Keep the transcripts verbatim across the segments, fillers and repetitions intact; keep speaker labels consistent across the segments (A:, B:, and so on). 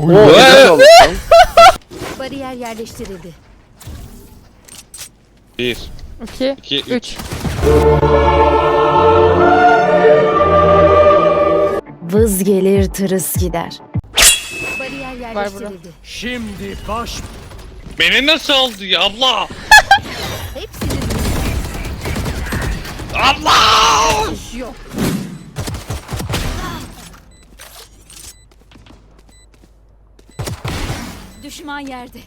A: Bariyer yerleştirildi.
B: Bir.
C: iki,
B: İki, üç.
C: üç.
A: Vız gelir tırıs gider. Bariyer
C: Var burada.
A: yerleştirildi.
D: Şimdi baş...
B: Beni nasıl aldı ya abla?
A: Hepsinin
B: Abla!
A: iş yok. Düşman yerde.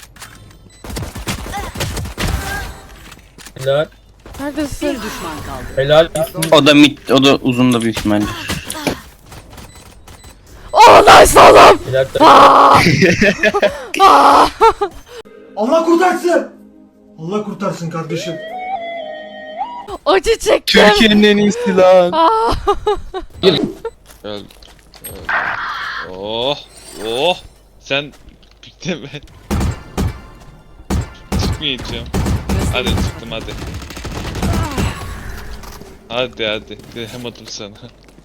E: Helal.
C: Neredesin?
A: Düşman kaldı.
E: Helal.
F: O da mid, o da uzun da büyük ihtimalle.
C: Oh nice oğlum.
E: Helal.
D: Allah kurtarsın! Allah kurtarsın kardeşim.
C: Acı çektim.
F: Türkiye'nin en iyisi lan.
C: Ah.
B: Öl. Öl. Oh. Oh. Sen bitti mi? Çıkmayacağım. Hadi çıktım hadi. Hadi hadi. Diyemedim sana.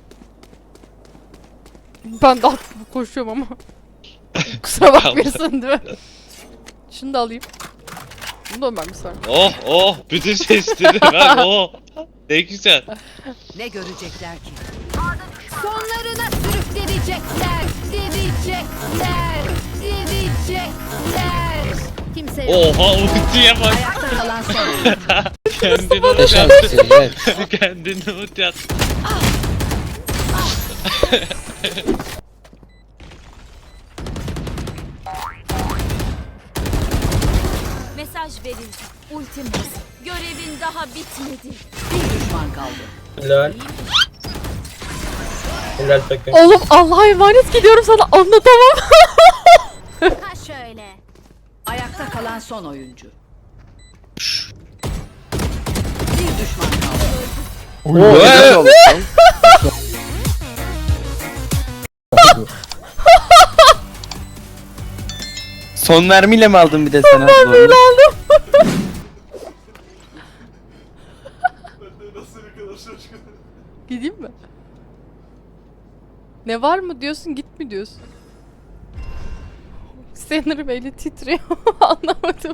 C: Ben de atlı koşuyorum ama. Kusura bakmıyorsun değil mi? Şunu da alayım. Bunu da ben bir saniye.
B: Oh oh. Bütün sesleri ver oh. Ne güzel.
A: Ne görecekler ki? Sonlarına sürükleyecekler. Diyecekler. Diyecekler. Kimse yok.
B: Oha ultiye bak.
A: Ayakta kalan son.
B: Kendini ulti
E: Yaşar
B: attı.
E: mısın? Evet.
B: Kendini ulti attı.
A: Mesaj verildi. Ultim hazır. Görevin daha bitmedi. Bir düşman kaldı.
E: Helal. Helal takım.
C: Oğlum Allah'a emanet gidiyorum sana anlatamam.
A: Ha şöyle. Ayakta kalan son oyuncu. Bir düşman kaldı.
F: Son mermiyle mi aldın bir de sen abla? Son mermiyle
C: aldım. Gideyim mi? Ne var mı diyorsun git mi diyorsun? Sanırım eli titriyor. Anlamadım.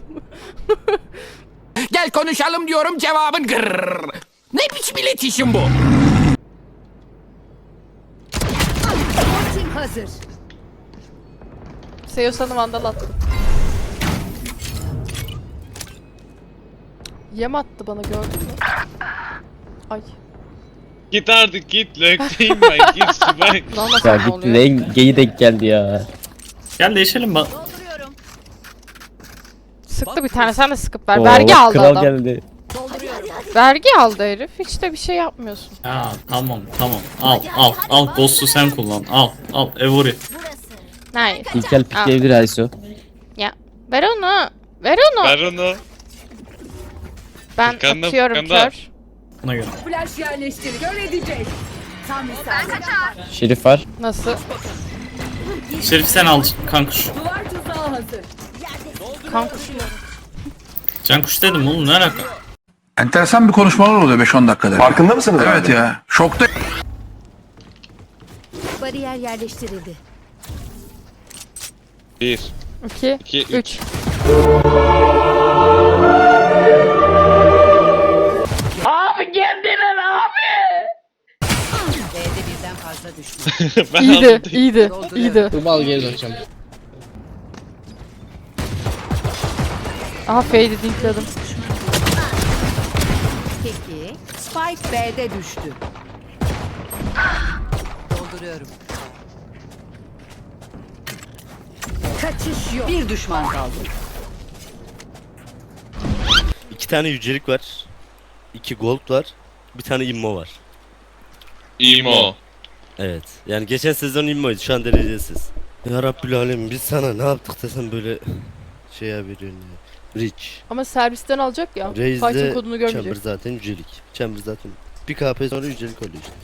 D: Gel konuşalım diyorum, cevabın gırrrr. Ne biçim iletişim bu?
A: Ultim hazır.
C: Seyosan'ı vandal attı. Yem attı bana gördün mü? Ay.
B: Git artık git. Lökteyim ben. Git ben.
C: Lan
E: Ya
C: nasıl ne
E: gitti
C: oluyor?
E: en geyi denk geldi ya.
G: Gel değişelim bak.
A: Dolduruyorum.
C: Sıktı bir tane sen de sıkıp ver.
E: Oo,
C: Vergi aldı
E: kral
C: adam.
E: geldi.
A: Dolduruyorum.
C: Vergi aldı herif. Hiç de bir şey yapmıyorsun.
G: Ya tamam tamam. Al al al Ghost'u sen kullan. Al al Evori.
C: Nice.
E: İlkel pikleyebilir Ayso.
C: Ya ver onu. Ver onu.
B: Ver onu.
C: Ben
B: Furkan'da,
C: atıyorum
B: Furkan'da.
C: kör.
G: Buna göre.
A: Flash yerleştir. Kör edecek. Tam misal.
E: Şerif var.
C: Nasıl?
G: Şerif sen al kankuş.
A: Duvar tuzağı hazır.
C: Kanka.
G: Cankuş dedim oğlum ne alaka?
H: Enteresan bir konuşmalar oluyor beş on dakikada. Farkında mısınız? Evet ya. Şokta.
A: Bariyer yerleştirildi.
B: Bir.
C: iki,
B: İki, üç.
C: üç.
A: B'de birden fazla düşman.
B: Ben
C: İyiydi,
B: aldım.
C: iyiydi, iyiydi.
E: Tumal geri döneceğim.
C: Aha fade'i dinkledim.
A: Peki. Spike B'de düştü. Dolduruyorum. Kaçış yok. Bir düşman kaldı.
I: İki tane yücelik var. İki gold var. Bir tane immo var.
B: İmo.
I: Evet. Yani geçen sezon immoydu. Şu an derecesiz. Ya Rabbül Alem biz sana ne yaptık da sen böyle şeye veriyorsun ya. Rich.
C: Ama servisten alacak ya. Fight'in
I: Raze'de
C: kodunu
I: Chamber
C: görmeyecek.
I: zaten yücelik. Chamber zaten bir K P sonra yücelik oluyor işte.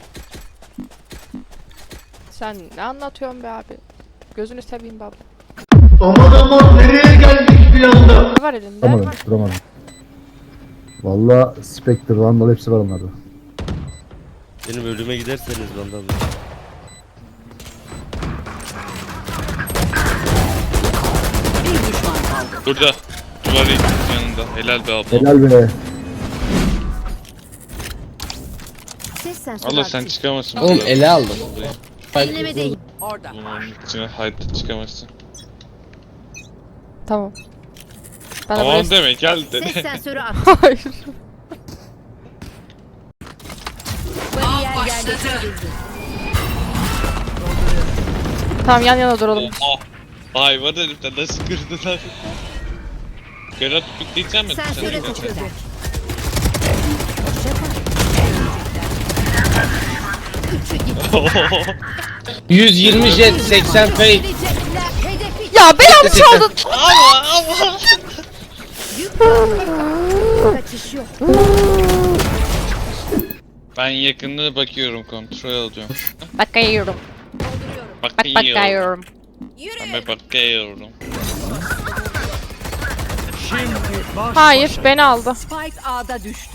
C: Sen ne anlatıyorsun be abi? Gözünü seveyim baba.
D: Aman aman nereye geldik bir anda?
C: Ne var elinde?
J: Duramadım, duramadım. Valla Spectre, Vandal hepsi var onlarda.
I: Benim ölüme giderseniz bandan.
A: kaldı.
B: Burada. Duvarı yanında. Helal be abla.
J: Helal be.
A: Ses sensörü
B: Allah sen
A: aktif.
B: çıkamazsın.
E: Oğlum
B: buradan.
E: ele aldım.
A: Dinleme değil. Orada.
B: Bunun içine hayatta çıkamazsın.
C: Tamam. Ben de
B: Tamam
C: buraya-
B: deme gel
A: Ses
B: de.
A: sensörü aktif.
C: Hayır.
A: Bariyer yerleştirildi.
C: Tamam yan yana duralım.
B: Oha. Hayvan herifler nasıl kırdılar. Berat pikleyecek mi?
A: Sensöre takıldı.
E: yüz yirmi jet seksen fake.
A: Hedefi
C: Ya belamı çaldın.
A: kaçış yok.
B: Ben yakınlığı bakıyorum, kontrol alıyorum.
C: Bakıyorum. Bak
B: Bakıyorum.
C: bakıyorum.
B: Ben bakıyorum.
C: Hayır beni aldı.
A: Spike A'da düştü.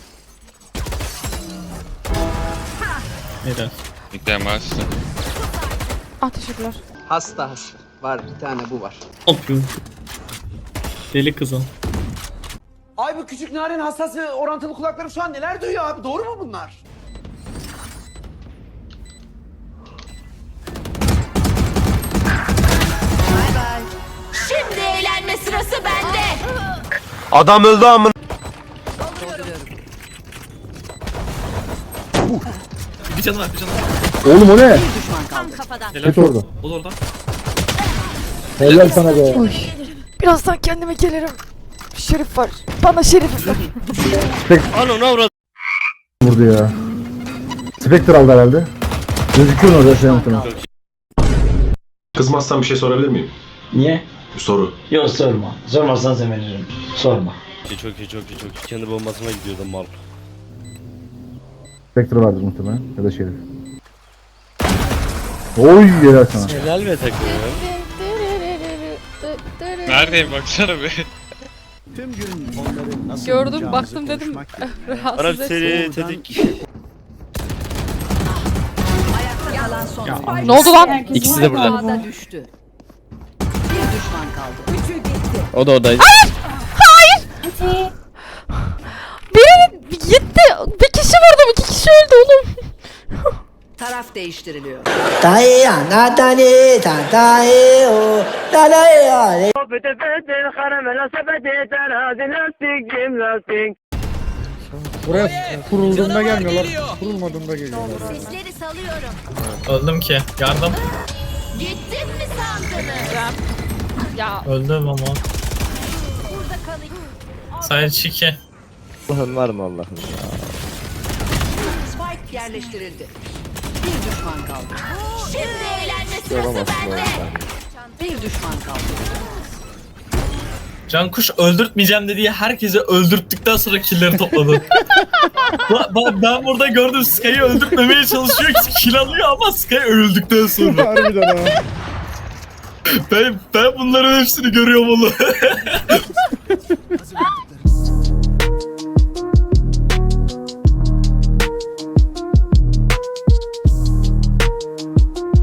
G: Neden?
B: Gidemezsin.
C: Ah teşekkürler.
F: Hasta hasta. Var bir tane bu var.
G: Ne yapıyorsun? Deli kızım.
D: Ay bu küçük narin hassas ve orantılı kulakları şu an neler duyuyor abi? Doğru mu bunlar?
A: Şimdi eğlenme sırası bende.
F: Adam öldü amın.
G: Bir canı var bir canı var.
J: Oğlum o ne?
A: Tam kafadan.
J: Git orada.
G: O da orada.
J: Helal sana be.
C: Birazdan kendime gelirim. Şerif var. Bana şerif var.
I: Ano ne avrat?
J: Vurdu ya. Spectre aldı herhalde. Gözüküyor orada şey muhtemelen.
H: Kızmazsan bir şey sorabilir miyim?
F: Niye?
H: Bir soru.
F: Yok sorma. Sormazsan zeminirim. Sorma.
I: Çok iyi çok iyi çok iyi. Kendi bombasına gidiyordu mal.
J: Spectre vardır muhtemelen. Ya da Şerif. Oy helal sana.
I: Helal be takım ya.
B: Neredeyim baksana be.
C: Gördüm baktım dedim. Rahatsız
I: Arap
C: et.
I: seri tetik.
A: Ayakta kalan son.
C: Ne oldu lan?
E: İkisi de burada.
A: A'da düştü. Bir düşman kaldı. Üçü gitti.
E: O da oradaydı.
C: Biri gitti. Bir kişi vurdum. İki kişi öldü oğlum.
A: Taraf değiştiriliyor.
J: Buraya kurulduğunda gelmiyorlar. Kurulmadığında geliyorlar.
A: Sesleri salıyorum.
G: Öldüm ki. Yardım.
A: Gittin mi sandınız?
C: Ya
G: Öldüm ama.
A: Burada kalayım.
G: Sadece iki.
E: Allah'ın var mı Allah'ın?
A: Spike yerleştirildi. Bir düşman kaldı. Şimdi eğlenme sırası bende. Bir düşman kaldı.
G: Cankuş öldürtmeyeceğim dediği herkese öldürttükten sonra killleri topladı. Ba- ba- ben burada gördüm Sky'ı öldürtmemeye çalışıyor, kill alıyor ama Sky öldükten sonra.
J: Harbiden ha.
G: ben, ben bunların hepsini görüyorum oğlum.